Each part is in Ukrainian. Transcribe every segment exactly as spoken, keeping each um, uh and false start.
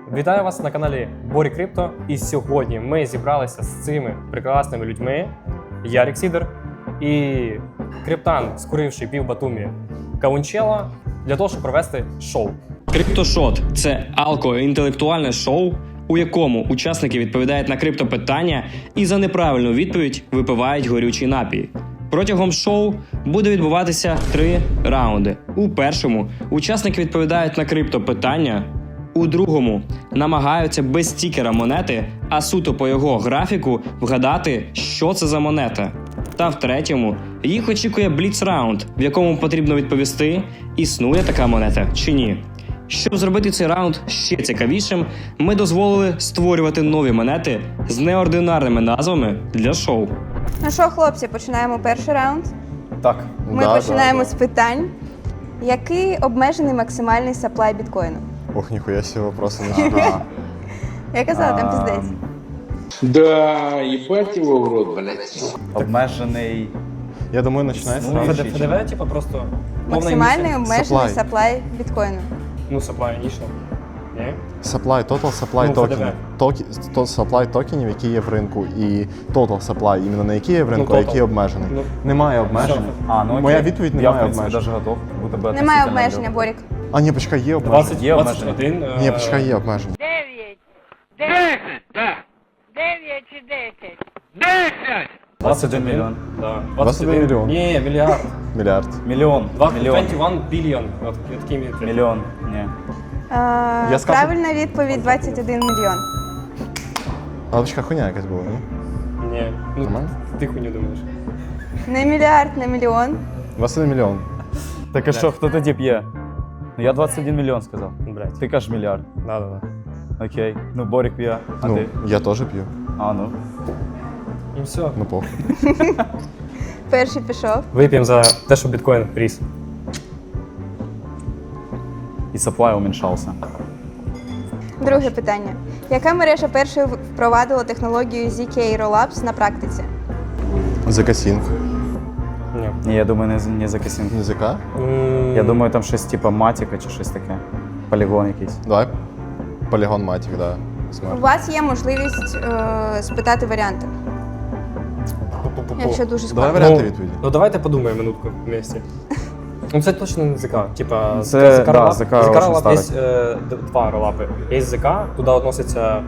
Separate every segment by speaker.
Speaker 1: Вітаю вас на каналі Борі Крипто. І сьогодні ми зібралися з цими прекрасними людьми. Ярік Сідер і Криптан, скуривший пів Батумі Каунчела, для того, щоб провести шоу.
Speaker 2: Криптошот – це алко-інтелектуальне шоу, у якому учасники відповідають на криптопитання і за неправильну відповідь випивають горючий напій. Протягом шоу буде відбуватися три раунди. У першому учасники відповідають на криптопитання, у другому намагаються без стікера монети, а суто по його графіку вгадати, що це за монета. Та в третьому їх очікує бліц-раунд, в якому потрібно відповісти, існує така монета чи ні. Щоб зробити цей раунд ще цікавішим, ми дозволили створювати нові монети з неординарними назвами для шоу.
Speaker 3: Ну що, хлопці, починаємо перший раунд.
Speaker 1: Так.
Speaker 3: Ми
Speaker 4: Да,
Speaker 3: починаємо
Speaker 4: да,
Speaker 3: з питань. Який обмежений максимальний саплай біткоїну?
Speaker 4: Ох, ніхуя себе вопроси начинаю.
Speaker 3: Я казала, там пиздець.
Speaker 5: Да, ебать его в рот, блядь.
Speaker 6: Обмежений.
Speaker 4: Я думаю, починається
Speaker 1: Ну,
Speaker 4: сразу.
Speaker 1: ФДВ, типу, просто
Speaker 3: Максимальний обмежений
Speaker 4: Supply.
Speaker 3: саплай біткоїну.
Speaker 1: Ну, supply initial. Ні?
Speaker 4: Supply, total supply
Speaker 1: Ну,
Speaker 4: токен.
Speaker 1: ФДВ.
Speaker 4: Токі, то supply токенів, які є в ринку, і total supply, іменно на які є в ринку,
Speaker 1: Ну,
Speaker 4: а
Speaker 1: total.
Speaker 4: які обмежений.
Speaker 1: Ну,
Speaker 4: Немає обмежень.
Speaker 6: А, ну окей.
Speaker 4: Моя відповідь
Speaker 6: Я,
Speaker 4: немає
Speaker 6: в принципі,
Speaker 4: обмежень.
Speaker 6: даже готов бути би
Speaker 3: Немає
Speaker 6: относительно
Speaker 3: обмеження,
Speaker 6: легко.
Speaker 3: Борік.
Speaker 4: А, ні, почекай, є обмеження.
Speaker 1: двадцять,
Speaker 6: Є
Speaker 1: двадцять
Speaker 6: обмеження.
Speaker 1: один.
Speaker 4: Ні,
Speaker 1: е,
Speaker 4: почекай, є обмеження.
Speaker 7: Дев'ять.
Speaker 5: Десять, да.
Speaker 7: Дев'ять чи десять?
Speaker 5: Десять!
Speaker 6: двадцять один мільйон.
Speaker 1: Да.
Speaker 4: двадцять один мільйон.
Speaker 1: Ні, мільярд.
Speaker 4: Мільярд.
Speaker 6: Мільйон. Мільйон.
Speaker 1: двадцять один біліон. От такий мільярд.
Speaker 6: Мільйон. Ні.
Speaker 3: Е,
Speaker 4: Я скажу-
Speaker 3: Правильна відповідь двадцять один мільйон.
Speaker 4: Але почекай, хуйня якась була, ні?
Speaker 1: Ні. Ну,
Speaker 4: Нормально?
Speaker 1: ти хуйню думаєш.
Speaker 3: Не мільярд, не мільйон.
Speaker 4: двадцять один мільйон.
Speaker 6: Так а що, хто тоді п'є? Ну я двадцять один мільйон сказав.
Speaker 1: Блять.
Speaker 6: Ти кажеш мільярд.
Speaker 1: Да, да, да.
Speaker 6: Окей. Ну Борік п'є. А
Speaker 4: Ну,
Speaker 6: ти?
Speaker 4: я теж п'ю.
Speaker 6: А, ну.
Speaker 1: Ну все.
Speaker 4: Ну, похуй.
Speaker 3: Перший пішов.
Speaker 1: Вип'ємо за те, що біткоін ріс.
Speaker 6: І supply уменьшався.
Speaker 3: Друге питання. Яка мережа першою впровадила технологію зет кей Rollups на практиці?
Speaker 4: Закасінг.
Speaker 1: Ні.
Speaker 6: Ні, я думаю, не, з- не за касінг.
Speaker 4: Не ЗК?
Speaker 1: М,
Speaker 6: Я думаю, там щось типу матіка чи щось таке. Полігон якийсь.
Speaker 4: Давай. Полігон Матік, да.
Speaker 3: У
Speaker 4: Смерть.
Speaker 3: вас є можливість е, спитати варіанти,
Speaker 1: пу-пу-пу-пу.
Speaker 3: якщо дуже
Speaker 4: Давай
Speaker 3: складно.
Speaker 4: варіанти
Speaker 1: Ну,
Speaker 4: відповіді.
Speaker 1: Ну давайте подумаємо минутку вместе. Ну це точно не ЗК. Типа
Speaker 6: Це,
Speaker 1: ЗК
Speaker 6: да,
Speaker 1: ролап-
Speaker 6: ЗК
Speaker 1: ЗК
Speaker 6: очень
Speaker 1: ролап є
Speaker 6: старий.
Speaker 1: е, д- два ролапи. Є ЗК, туди відноситься.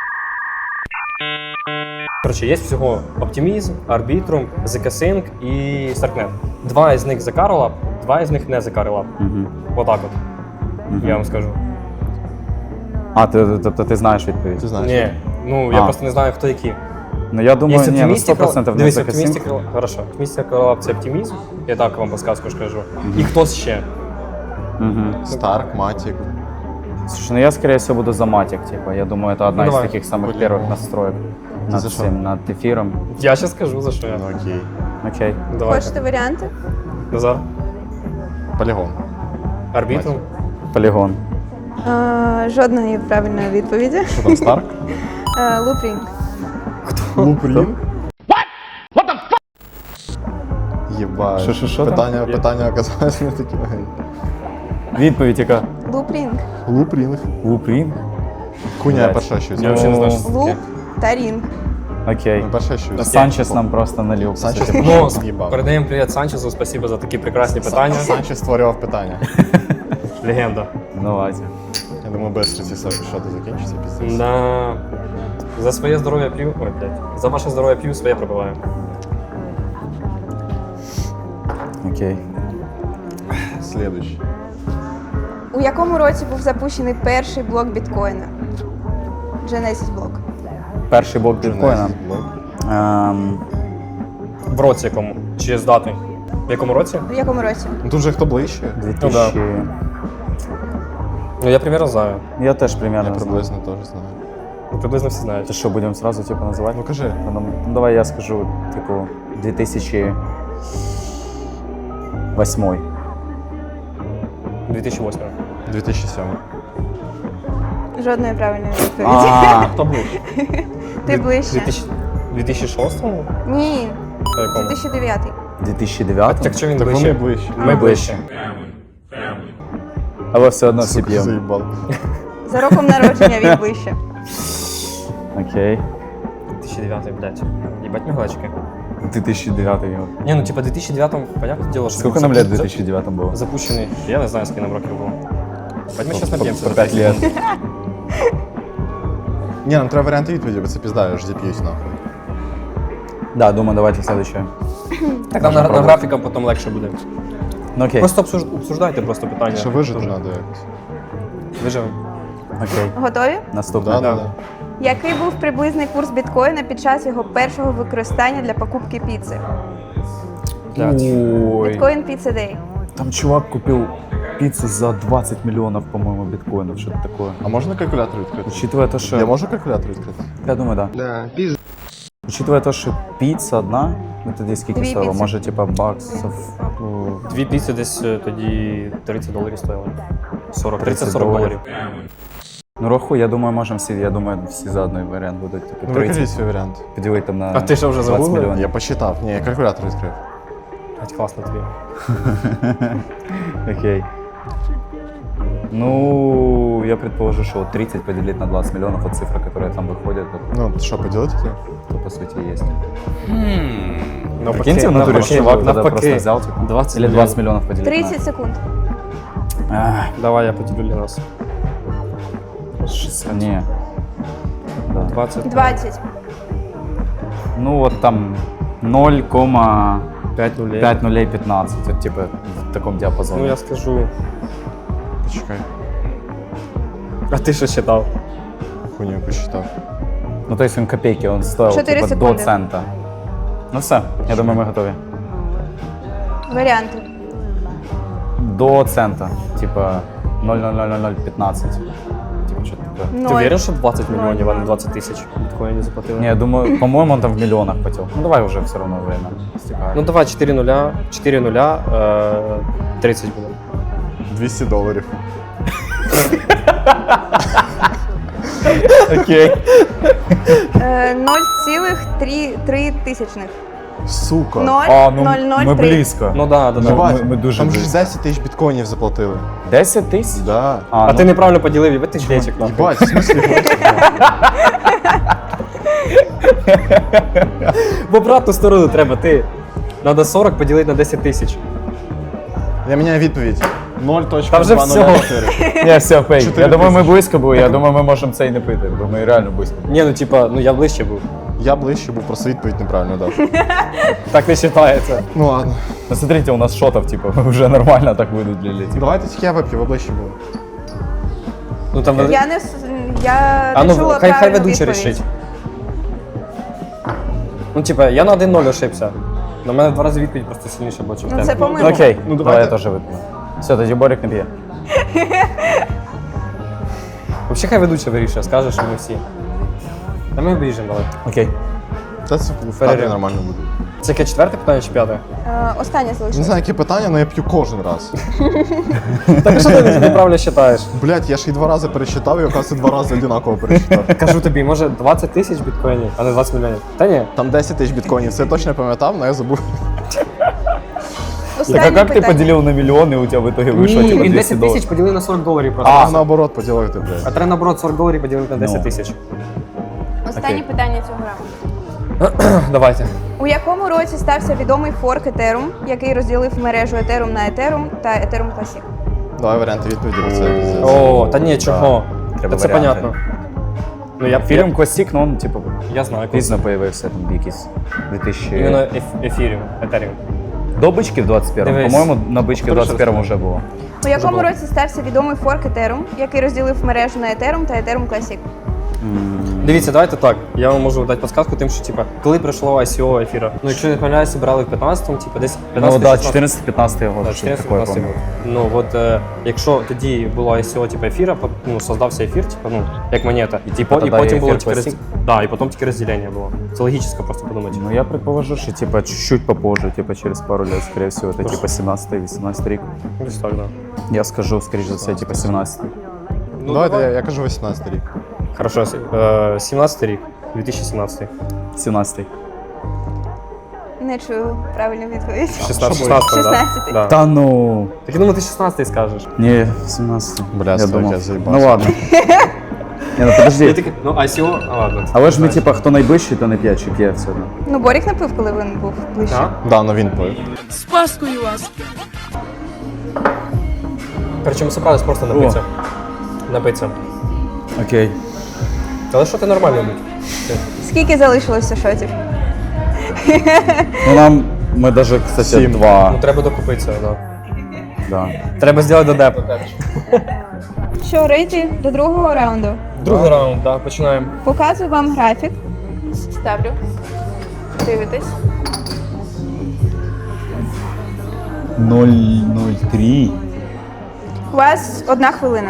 Speaker 1: Коротше, є всього Optimism, Arbitrum, ZK-Sync і Starknet. Два із них ЗК ролап, два із них не ЗК ролап.
Speaker 6: Угу.
Speaker 1: Отак от,
Speaker 6: Угу.
Speaker 1: я вам скажу.
Speaker 6: А, ти, тобто ти знаєш відповідь?
Speaker 4: Ти знаєш.
Speaker 1: Ні, ну я
Speaker 6: А.
Speaker 1: просто не знаю, хто які.
Speaker 6: Ну я думаю,
Speaker 1: Є
Speaker 6: ні, на
Speaker 1: Optimistic
Speaker 6: сто процентів
Speaker 1: Roll-
Speaker 6: не
Speaker 1: Дивись,
Speaker 6: за
Speaker 1: Optimistic
Speaker 6: касінг.
Speaker 1: Roll- Хорошо. Optimistic Roll це Optimism, я так вам подсказку скажу. І хтось ще.
Speaker 6: Угу.
Speaker 4: Старк, Матік.
Speaker 6: Слушай, ну я, скорее всего, буду за матик, типа. Я думаю, это одна
Speaker 1: Ну,
Speaker 6: из
Speaker 1: давай.
Speaker 6: таких самых
Speaker 4: Блин.
Speaker 6: первых настроек над
Speaker 4: за что?
Speaker 6: всем, над эфиром.
Speaker 1: Я ще скажу, за що я.
Speaker 4: Ну, окей.
Speaker 6: Окей.
Speaker 1: Давайте.
Speaker 3: Хочете варіанти?
Speaker 1: Назар.
Speaker 4: Полігон.
Speaker 1: Арбітрум.
Speaker 6: Полигон.
Speaker 3: Е, жодної правильної відповіді.
Speaker 4: Що там, Старк?
Speaker 3: Е, Loopring.
Speaker 4: Лупрін? Єбать.
Speaker 6: Що, що, що там?
Speaker 4: Питання, питання оказалось не такі.
Speaker 6: Відповідь яка?
Speaker 3: Loopring.
Speaker 4: Лупрінг.
Speaker 6: Лупрін?
Speaker 4: Хуйня,
Speaker 6: Блядь.
Speaker 4: перше щось.
Speaker 1: Я взагалі не знаю, що це
Speaker 3: Луп
Speaker 1: таке.
Speaker 3: та рінг.
Speaker 6: Окей.
Speaker 4: Ну, перше щось.
Speaker 6: Санчес нам просто налил. по
Speaker 4: Санчес
Speaker 6: суті.
Speaker 1: Ну,
Speaker 4: З'їбав.
Speaker 1: передаємо привіт Санчесу, спасибо за такі прекрасні питання.
Speaker 4: Санчес створював питання.
Speaker 1: Легенда.
Speaker 6: Ну, давайте.
Speaker 4: Я думаю, без ці шоти закінчиться піздець.
Speaker 1: На... За своє здоров'я п'ю. Ой, блядь. За ваше здоров'я п'ю, своє пробиваю.
Speaker 6: Окей.
Speaker 4: Слідуючий.
Speaker 3: У якому році був запущений перший блок біткоїна? Genesis блок.
Speaker 6: Перший блок біткоїна. Ем,
Speaker 1: В році якому? Чи з дати? В якому році?
Speaker 3: У якому році?
Speaker 4: Ну тут же хто ближче?
Speaker 6: дві тисячі...
Speaker 1: Ну, я примерно знаю.
Speaker 6: Я теж примерно
Speaker 4: Я
Speaker 6: знаю.
Speaker 4: приблизно теж знаю.
Speaker 1: Ну, приблизно всі знають.
Speaker 6: Ти що, будемо сразу типу називати?
Speaker 4: Ну кажи.
Speaker 6: Ну, ну, давай я скажу, типу, дві тисячі восьмий.
Speaker 1: дві тисячі восьмий.
Speaker 4: дві тисячі сьомий.
Speaker 3: Жодної правильної відповіді.
Speaker 6: А,
Speaker 1: Хто був?
Speaker 3: Ти ближче.
Speaker 1: дві тисячі шостому?
Speaker 3: Ні,
Speaker 1: Та якому?
Speaker 3: дві тисячі дев'ятий.
Speaker 6: дві тисячі дев'ятий?
Speaker 1: Так що він
Speaker 4: Так вони
Speaker 1: ближче?
Speaker 4: ближче.
Speaker 1: Ми ближче.
Speaker 6: Але все одно всі
Speaker 4: Сука,
Speaker 6: п'ємо.
Speaker 4: заїбал.
Speaker 3: За роком народження він ближче.
Speaker 6: Окей.
Speaker 1: дві тисячі дев'ятий, блядь. Ебать мигалочки.
Speaker 6: две тысячи девятый. його.
Speaker 1: Не, ну типа в дві тисячі дев'ятому, понятное дело, что...
Speaker 6: Сколько нам лет в две тысячи девятом было?
Speaker 1: Запущенный, я не знаю, сколько нам років було. Бать, ми сейчас
Speaker 6: По-
Speaker 1: наб'ємося.
Speaker 6: по
Speaker 1: за
Speaker 6: пять
Speaker 1: п'ять
Speaker 6: лет.
Speaker 1: секунд.
Speaker 4: Ні, нам треба варіанти відповіді, бо це пізда, я ж зіп'юсь нахуй.
Speaker 6: Да, думаю, давайте следующее.
Speaker 1: Так нам на, на графікам потім легше буде.
Speaker 6: Ну окей.
Speaker 1: Просто обсуж- обсуждайте просто питання.
Speaker 4: Ще вижити
Speaker 1: Дуже.
Speaker 4: треба якось.
Speaker 1: Виживемо.
Speaker 6: Окей.
Speaker 3: Готові?
Speaker 6: Наступне.
Speaker 4: Да, да, да.
Speaker 3: Який був приблизний курс біткоїна під час його першого використання для покупки піци?
Speaker 6: Ой.
Speaker 3: Біткоін Pizza Day.
Speaker 6: Там чувак купил пиццу за двадцать миллионов, по-моему, биткоинов, что-то такое.
Speaker 4: А можна калькулятор відкрити?
Speaker 6: Учитывая то, что...
Speaker 4: Я можу калькулятор відкрити?
Speaker 6: Я думаю, да.
Speaker 5: Да, пиздец.
Speaker 6: Учитывая то, что пицца одна, ну тоді скільки
Speaker 3: Дві
Speaker 6: стоїло?
Speaker 3: піци.
Speaker 6: Може, типа, баксів? ну,
Speaker 1: Дві піци десь е, тоді тридцять доларів стоїли. сорок,
Speaker 6: тридцять
Speaker 1: тридцять-сорок доларів.
Speaker 6: Ну, рахуй, я думаю, можемо всі, я думаю, всі за одний варіант будуть. Типу,
Speaker 4: Ну,
Speaker 6: тридцять,
Speaker 4: викажіть свій варіант.
Speaker 6: поділити там на
Speaker 1: А ти що, вже
Speaker 6: двадцять
Speaker 1: загуглив?
Speaker 6: мільйонів.
Speaker 4: Я посчитав. Ні, я калькулятор відкрив.
Speaker 1: Блять, класно тобі.
Speaker 6: Окей. Ну, я предположу, что тридцать поделить на двадцать миллионов, вот цифра, которая там выходит, это,
Speaker 4: Ну, що, поділити ти?
Speaker 6: то по сути есть.
Speaker 1: Ну,
Speaker 6: Прикиньте, в натуре чувак тогда просто взял, типа,
Speaker 1: двадцать
Speaker 6: или двадцать миллионов поделить
Speaker 3: тридцять секунд.
Speaker 6: на... Ах,
Speaker 1: Давай я поділю для нас.
Speaker 6: шестьдесят. Не. Да.
Speaker 1: двадцять.
Speaker 3: двадцять.
Speaker 6: Ну, вот там ноль целых
Speaker 1: п'ять нулей.
Speaker 6: пять нулей пятнадцать, вот, типа, в таком диапазоне.
Speaker 1: Ну я скажу.
Speaker 4: Почекай.
Speaker 1: А ти що считав?
Speaker 4: Хуйню посчитав.
Speaker 6: Ну, то есть он копейки, он стоил,
Speaker 3: Четыре
Speaker 6: типа, до
Speaker 3: секунды.
Speaker 6: цента. Ну все, я думаю, мы готовы.
Speaker 3: Варіанти.
Speaker 6: До цента, типа ноль ноль ноль ноль ноль пятнадцать. Типа что-то такое.
Speaker 1: Ти
Speaker 3: Ноль.
Speaker 1: уверен, що двадцять
Speaker 3: Ноль.
Speaker 1: мільйонів, а не двадцять тисяч біткоїнів заплатили?
Speaker 6: Не, я думаю, по-моему, он там в миллионах хотел. Ну давай уже все равно время стекает.
Speaker 1: Ну давай чотири нуля, чотири нуля, е, тридцять буде.
Speaker 4: двісті доларів.
Speaker 6: Окей.
Speaker 3: Е, нуль цілих три тисячних.
Speaker 4: Сука.
Speaker 3: Ноль,
Speaker 6: А, ну
Speaker 3: ноль, ноль,
Speaker 6: ми
Speaker 3: три.
Speaker 6: близько.
Speaker 1: Ну да, да, да.
Speaker 4: Єбать,
Speaker 6: ми- ми дуже
Speaker 4: там ж
Speaker 6: близько.
Speaker 4: десять тисяч біткоїнів заплатили.
Speaker 6: десять тысяч?
Speaker 4: Да.
Speaker 1: А ти неправильно поділив, їбать ти шлечик, нахуй.
Speaker 4: Єбать, в смислі?
Speaker 1: В обратну сторону треба, ти. Надо сорок поділити на десять тисяч.
Speaker 4: Я міняю відповідь. ноль
Speaker 1: Там вже
Speaker 4: точка двадцять чотири.
Speaker 6: Не, все, фейк.
Speaker 4: Чотири
Speaker 6: Я думаю, ми
Speaker 4: тисячі.
Speaker 6: близько були, я думаю, ми можемо це і не пити, бо ми реально близько.
Speaker 1: Ні, ну типа, ну я ближче був.
Speaker 4: Я ближче був, просто відповідь неправильно дав.
Speaker 1: Так не вважається.
Speaker 4: Ну ладно.
Speaker 6: Ну смотрите, у нас шотов, типа, уже нормально так выделили. Типа.
Speaker 4: Давайте тільки я вип'ю, ви ближче були.
Speaker 1: Ну там
Speaker 3: Я не, с- я
Speaker 1: А
Speaker 3: не
Speaker 1: ну
Speaker 3: чула
Speaker 1: хай хай
Speaker 3: правильну
Speaker 1: ведучий
Speaker 3: відповідь.
Speaker 1: рішить. Ну типа, я на один ноль ошибся. На мене в два рази відповідь просто сильніше була, чим в
Speaker 3: Ну,
Speaker 1: тебе.
Speaker 3: це помилка.
Speaker 6: Ну окей,
Speaker 4: Ну,
Speaker 6: давай я
Speaker 4: давайте.
Speaker 6: теж вип'ю. Все, тоді Борик не п'є.
Speaker 1: Взагалі хай ведучий вирішує, скаже, що ми всі. Та ми обріжемо, давай.
Speaker 6: Окей.
Speaker 4: Та це в кадрі
Speaker 1: Перерив.
Speaker 4: нормально буде.
Speaker 1: Це яке четверте питання чи п'яте?
Speaker 3: Е, Останнє
Speaker 4: Не
Speaker 3: залишилось.
Speaker 4: знаю, які питання, але я п'ю кожен раз.
Speaker 1: Так що ти неправильно вважаєш?
Speaker 4: Блять, я ж і два рази пересчитав, і оказується два рази одинаково пересчитав.
Speaker 1: Кажу тобі, може двадцять тисяч біткоїнів, а не двадцять мільйонів. Та ні.
Speaker 4: Там десять тисяч біткоїнів, це я точно пам'ятав, але я забув.
Speaker 3: Останнє
Speaker 6: Так а как ты
Speaker 3: питання.
Speaker 6: поделил на миллионы, и у тебя в итоге вышло
Speaker 1: Ні,
Speaker 6: типа
Speaker 1: він
Speaker 6: двести
Speaker 1: десять
Speaker 6: долларов?
Speaker 1: тисяч поділив на сорок доларів просто.
Speaker 4: А наоборот поділити, блядь.
Speaker 1: А треба наоборот сорок доларів поділити на десять
Speaker 6: Ну.
Speaker 1: тисяч.
Speaker 3: Останнє
Speaker 6: Окей.
Speaker 3: питання цього раунду.
Speaker 1: Давайте.
Speaker 3: У якому році стався відомий форк Ethereum, який розділив мережу Ethereum на Ethereum та Ethereum Classic?
Speaker 4: Давай варіанти відповіді, бо це пиздець.
Speaker 1: О, та ні, чого?
Speaker 6: Треба
Speaker 1: Та це
Speaker 6: варіанти.
Speaker 1: понятно. Ну я
Speaker 6: Фільм Classic, ну он типа
Speaker 1: Я знаю,
Speaker 6: пізно появився там якийсь дві тисячі...
Speaker 1: іменно еф- ефіріум, етеріум.
Speaker 6: До бички в двадцять першому.
Speaker 1: Дивись.
Speaker 6: По-моєму, на бички в
Speaker 1: Хорошо
Speaker 6: двадцять першому вже було.
Speaker 3: У якому
Speaker 1: було.
Speaker 3: році стався відомий форк Ethereum, який розділив мережу на Ethereum та Ethereum Classic?
Speaker 1: Дивіться, давайте так. Я вам можу дати підказку тим, що типа, коли прийшло ай сі о ефіра. Ну, якщо не помиляюся, брали в п'ятнадцятому, типа десь
Speaker 6: Ну
Speaker 1: п'ятнадцятий
Speaker 6: да,
Speaker 1: шістнадцятий.
Speaker 6: чотирнадцятий-п'ятнадцятий год,
Speaker 1: Да,
Speaker 6: щось таке, я
Speaker 1: чотирнадцятий
Speaker 6: пам'ятаю.
Speaker 1: Ну от е, якщо тоді було ай сі о типу ефіра, по- ну создався ефір, типу, ну як монета, і,
Speaker 6: типу,
Speaker 1: по- і
Speaker 6: тоді
Speaker 1: потім було
Speaker 6: ефір
Speaker 1: тільки роз...
Speaker 6: Classic?
Speaker 1: да, і потім тільки розділення було. Це логічно просто подумати.
Speaker 6: Ну я предположу, що типа чуть-чуть попозже, типа через пару лет, скорее всего, это типа сімнадцятий-вісімнадцятий рік.
Speaker 1: Десь так, да.
Speaker 6: Я скажу, скоріше за все, типа сімнадцятий.
Speaker 1: Ну,
Speaker 4: Давайте, я, я кажу вісімнадцятий рік.
Speaker 1: Хорошо, е, сімнадцятий рік, дві тисячі сімнадцятий.
Speaker 6: сімнадцятий.
Speaker 3: Не чую правильну відповідь.
Speaker 1: шістнадцять, шістнадцять, да?
Speaker 3: шістнадцятий.
Speaker 1: Да.
Speaker 6: Та ну.
Speaker 1: Так я думаю, ти шістнадцятий скажеш.
Speaker 6: Ні, сімнадцятий.
Speaker 4: Бля,
Speaker 6: я
Speaker 4: стой,
Speaker 6: думав.
Speaker 4: я заїбався.
Speaker 6: Ну ладно. Ні, ну
Speaker 1: Я
Speaker 6: подожди.
Speaker 1: такий, ну, ай сі о, а ладно.
Speaker 6: Але ж ми, типа, хто найближчий, то не п'є, чи п'є все одно.
Speaker 3: Ну, Борік напив, коли він був ближче.
Speaker 1: Так?
Speaker 4: Да, ну він пив.
Speaker 1: Причому собрались просто напитися. Напитися.
Speaker 6: Окей.
Speaker 1: Але що ти нормально будь?
Speaker 3: Скільки залишилося шотів?
Speaker 6: Ну нам, ми даже, кстати,
Speaker 4: Сім.
Speaker 6: два.
Speaker 1: Ну, треба докупитися, да.
Speaker 6: Да.
Speaker 1: Треба зробити додеп.
Speaker 3: Що, рейти до другого раунду?
Speaker 1: Другий раунд, так, починаємо.
Speaker 3: Показую вам графік. Ставлю. Дивитесь.
Speaker 6: ноль ноль три.
Speaker 3: У вас одна хвилина.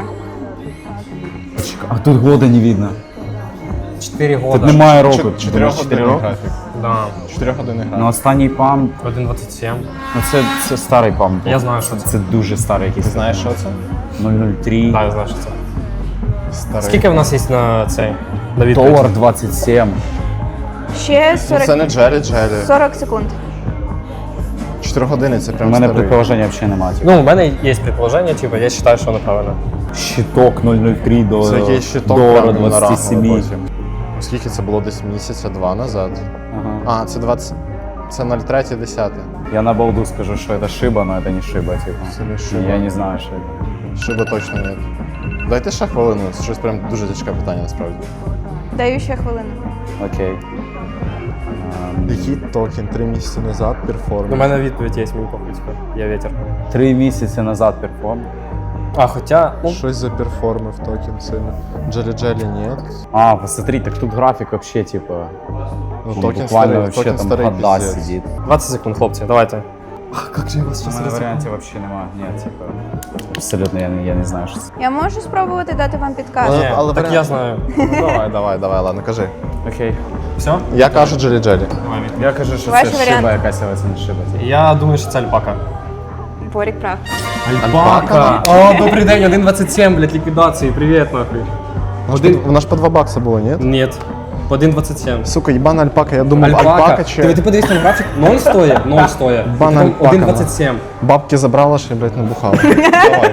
Speaker 6: А тут года не видно.
Speaker 1: Чотири
Speaker 6: Тут
Speaker 1: года.
Speaker 6: немає року.
Speaker 4: Чотирьох
Speaker 6: Чотири
Speaker 4: годинний
Speaker 6: роки.
Speaker 4: графік.
Speaker 1: Да.
Speaker 4: Чотирьохгодинний
Speaker 6: Ну
Speaker 4: графік.
Speaker 6: останній пам,
Speaker 1: один двадцять сім.
Speaker 6: ну це, це старий пам.
Speaker 1: Я знаю, що це.
Speaker 6: Це дуже старий якийсь.
Speaker 4: Ти знаєш, що це?
Speaker 6: нуль нуль три.
Speaker 1: Так, я знаю, що це.
Speaker 4: Старий.
Speaker 1: Скільки в нас є на цей? На відповідь?
Speaker 6: Долар двадцять сім.
Speaker 3: Ще
Speaker 4: Ну,
Speaker 3: сорок,
Speaker 4: це не Джелі Джелі.
Speaker 3: сорок секунд.
Speaker 4: Чотири години це
Speaker 6: У
Speaker 4: прям
Speaker 6: мене
Speaker 4: старий.
Speaker 6: предположення взагалі немає.
Speaker 1: Ну, у мене є предположення, типу, я вважаю, що воно правильно.
Speaker 6: Щиток нуль нуль три до
Speaker 4: Це якийсь щиток
Speaker 6: долара
Speaker 4: прям на
Speaker 6: двадцять сім.
Speaker 4: потім. Скільки це було десь місяця два назад?
Speaker 6: Ага.
Speaker 4: А, це двадцять... Це ноль три десяте.
Speaker 6: Я на балду скажу, что это шиба, но это не шиба, типа.
Speaker 4: Це не шиба.
Speaker 6: Я не знаю, что это.
Speaker 4: Шиби точно ні. Дайте ще хвилину, це щось прям дуже тяжке питання насправді.
Speaker 3: Даю ще хвилину.
Speaker 6: Окей. Ем,
Speaker 4: Який токен три місяці назад перформ?
Speaker 1: У мене відповідь є, мені похуй, типу, я ветер.
Speaker 6: Три місяці назад перформ.
Speaker 1: А, хоча, ну,
Speaker 4: Щось заперформив токен сильно. Джелі Джелі ні.
Speaker 6: А, посмотри, так тут график вообще, типа,
Speaker 4: Ну,
Speaker 6: ну,
Speaker 4: токен
Speaker 6: буквально
Speaker 4: старий,
Speaker 6: вообще
Speaker 4: токен
Speaker 6: там
Speaker 4: старий
Speaker 6: года
Speaker 4: пиздец.
Speaker 6: сидит.
Speaker 1: двадцять секунд, хлопці, давайте.
Speaker 6: У мене варіантів вообще немає. Ні, типа, абсолютно я, не- я не знаю, що це.
Speaker 3: Я можу спробувати дати вам підказку.
Speaker 4: Але-
Speaker 1: Ні,
Speaker 4: але
Speaker 1: так
Speaker 4: варіант-
Speaker 1: я знаю.
Speaker 4: Ну, давай, давай, давай, ладно, кажи.
Speaker 6: Окей.
Speaker 1: Все?
Speaker 4: Я кажу Джелі Джелі.
Speaker 6: Я кажу, що
Speaker 3: Ваші
Speaker 6: це
Speaker 3: варіанти.
Speaker 6: шиба якась, але це не шиба. типа.
Speaker 1: Я думаю, що це альпака.
Speaker 3: Борік прав.
Speaker 1: Альпака? О, добрий день, один двадцять сім, блядь, ліквідації, привіт, нахуй.
Speaker 4: Вона ж по- Вона ж по два бакса було, ні?
Speaker 1: Ні, по один двадцять сім.
Speaker 4: Сука, єбана альпака, я думав, альпака, чи...
Speaker 1: Ти, ти подивись там графік, ноль стоїть, ноль стоїть.
Speaker 4: Бана альпака,
Speaker 1: один двадцять сім.
Speaker 4: Бабки забрала, що я, блядь, набухала. Давай.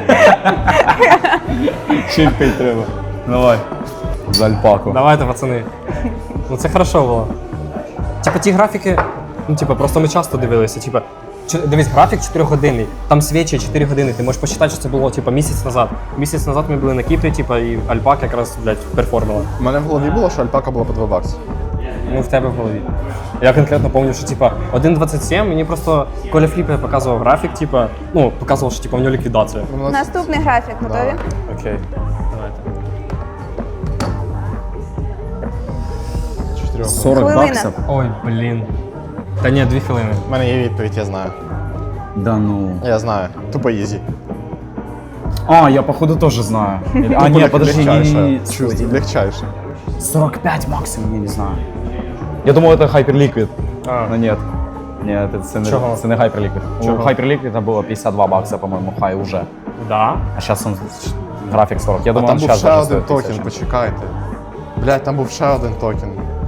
Speaker 6: Чіпкать треба. Давай. За альпаку.
Speaker 1: Давайте, пацани. Ну це хорошо було. Типа ті графіки, ну типа, просто ми часто дивилися, типа, чи- дивись, графік чотирьохгодинний, там свічі чотири години, ти можеш посчитати, що це було типа місяць назад. Місяць назад ми були на Кіпрі, типа, і альпака якраз, блядь, перформила.
Speaker 4: У мене в голові було, що альпака була по два бакси.
Speaker 1: Ну, в тебе в голові. Я конкретно пам'ятаю, що типа один двадцять сім, мені просто Коля Фліпе показував графік, типа, ну, показував, що типа у нього ліквідація.
Speaker 4: Ну, у нас-
Speaker 3: Наступний графік. Готові?
Speaker 1: Окей. Давайте.
Speaker 4: Чотирьох.
Speaker 6: сорок
Speaker 3: Хвилина.
Speaker 6: баксів?
Speaker 1: Ой, блін. Та ні, дві хвилини.
Speaker 4: У мене є відповідь, я знаю.
Speaker 6: Да ну.
Speaker 4: Я знаю. Тупо ізі.
Speaker 6: А, я походу тоже знаю. А, нет, подожди, не, не, не.
Speaker 4: Чувство, легчайше.
Speaker 6: сорок пять максимум, я не знаю. Я думал, это Hyperliquid.
Speaker 1: А.
Speaker 6: Но нет. Нет, это це не,
Speaker 1: Чого?
Speaker 6: це не Hyperliquid. У
Speaker 1: Чого?
Speaker 6: Hyperliquid було пятьдесят два бакса, по-моему, хай уже.
Speaker 1: Да?
Speaker 6: А сейчас он график сорок. Я
Speaker 4: А
Speaker 6: думаю,
Speaker 4: там
Speaker 6: он
Speaker 4: був
Speaker 6: сейчас
Speaker 4: ще
Speaker 6: даже
Speaker 4: один
Speaker 6: стоит
Speaker 4: токен,
Speaker 6: тисячу.
Speaker 4: почекайте. Блядь, там був ще один токен.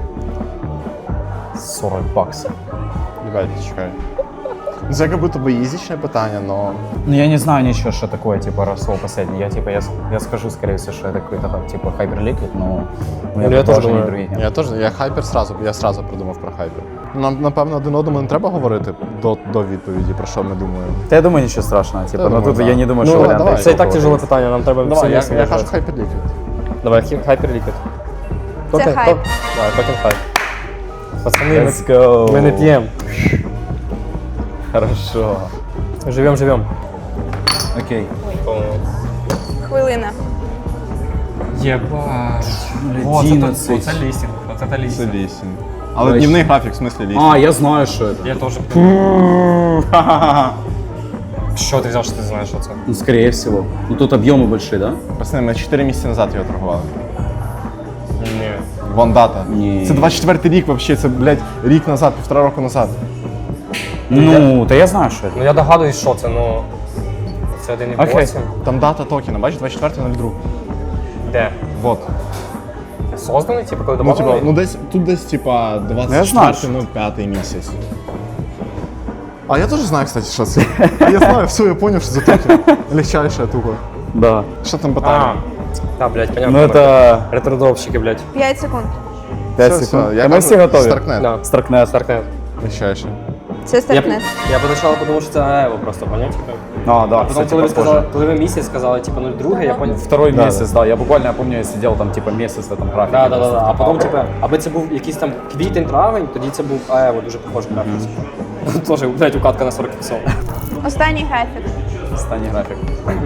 Speaker 6: сорок баксов.
Speaker 4: Блядь, чекай. Ну, це як будто би ізічне питання, но...
Speaker 6: Ну, я не знаю ничего, что такое, типа, росло последний. Я, типа, я, с- я скажу, скорее всего, что это какой-то, типа, Hyperliquid, но у меня
Speaker 1: Ну, я тоже
Speaker 6: предположений
Speaker 1: думаю.
Speaker 6: других нет.
Speaker 4: Я теж, я хайпер сразу, я сразу придумав про хайпер. Нам, напевно, один одному не треба говорити до, до відповіді, про що ми думаємо.
Speaker 6: Да я думаю, ничего страшного, типа,
Speaker 4: Я
Speaker 6: но
Speaker 4: думаю,
Speaker 6: тут
Speaker 4: да.
Speaker 6: я не думаю,
Speaker 4: Ну,
Speaker 6: что
Speaker 4: давай,
Speaker 6: варианты
Speaker 4: давай.
Speaker 1: Це і так
Speaker 6: такого
Speaker 1: тяжеле
Speaker 6: есть.
Speaker 1: питання, нам треба
Speaker 4: Давай, я,
Speaker 1: всі
Speaker 4: я
Speaker 1: місця
Speaker 4: кажу
Speaker 1: назвати.
Speaker 4: хайпер ліквід.
Speaker 1: Давай, Hyperliquid.
Speaker 3: Це хайп.
Speaker 1: Давай, токен хайп. Пацани, ми,
Speaker 6: Let's go.
Speaker 1: ми не п'ємо.
Speaker 6: Хорошо.
Speaker 1: Живем, живем.
Speaker 6: Окей.
Speaker 3: Хвилина.
Speaker 1: Єбать.
Speaker 6: одинадцять.
Speaker 1: Оце лістінг. Оце та лістінг.
Speaker 4: лісінг. Але дневний графік, в смислі лісінг.
Speaker 6: А, я знаю, что это.
Speaker 1: Я теж. Що ти взяв, що ти знаєш, що це?
Speaker 6: Ну, скорее всего. Ну, тут объемы большие, да?
Speaker 4: Пацани, ми чотири місяці назад його торгували.
Speaker 1: Ні.
Speaker 4: Вон дата.
Speaker 6: Ні.
Speaker 4: Це двадцять четвертий рік взагалі, це, блядь, рік назад, півтора року назад.
Speaker 6: Ну, да я знаю, что это.
Speaker 1: Ну я догадуюсь, що це, ну. Це один і
Speaker 6: Окей.
Speaker 1: вісім.
Speaker 4: Там дата токена, бачиш, двадцять четвертий нуль два.
Speaker 1: Де?
Speaker 4: Вот.
Speaker 1: Созданий, типу, коли
Speaker 4: Ну, типа,
Speaker 1: добавлений?
Speaker 4: ну десь, тут десь, типа,
Speaker 6: Я знаю,
Speaker 4: двадцять четвертий нуль п'ятий місяць. А я теж знаю, кстати, що це. А я знаю, все, я понял, що це токен. Легчайше тупо.
Speaker 6: Да.
Speaker 4: Що там
Speaker 1: А,
Speaker 4: питання?
Speaker 1: та, блядь, понятно.
Speaker 6: Ну это
Speaker 1: Ретродропщики, блядь.
Speaker 3: п'ять секунд.
Speaker 6: пять
Speaker 4: Все,
Speaker 6: секунд.
Speaker 4: все, я
Speaker 6: Та ми
Speaker 4: кажу,
Speaker 6: всі готові.
Speaker 4: Старкнет.
Speaker 1: Да.
Speaker 6: Старкнет.
Speaker 1: Старкнет.
Speaker 4: Легчайше.
Speaker 3: Це
Speaker 1: Я,
Speaker 3: стартнет.
Speaker 1: я поначалу подумав, що це АЕВО просто, поняв? Типу.
Speaker 6: А, да,
Speaker 1: Потім,
Speaker 6: кстати,
Speaker 1: коли ви
Speaker 6: похоже.
Speaker 1: сказали, коли ви місяць сказали, типу, нуль два, я поняв.
Speaker 6: Второй
Speaker 4: Да,
Speaker 6: месяц, да. Я буквально, я помню, я сидел там типа месяц в этом графике.
Speaker 1: Да, да, да,
Speaker 6: просто,
Speaker 1: да. А
Speaker 6: типа,
Speaker 1: потім, типу, аби це був якийсь там квітень, травень, тоді це був АЕВО, дуже похожий графік. Тоже, блядь, укатка на сорок іксов.
Speaker 3: Останній графік.
Speaker 6: Останній графік.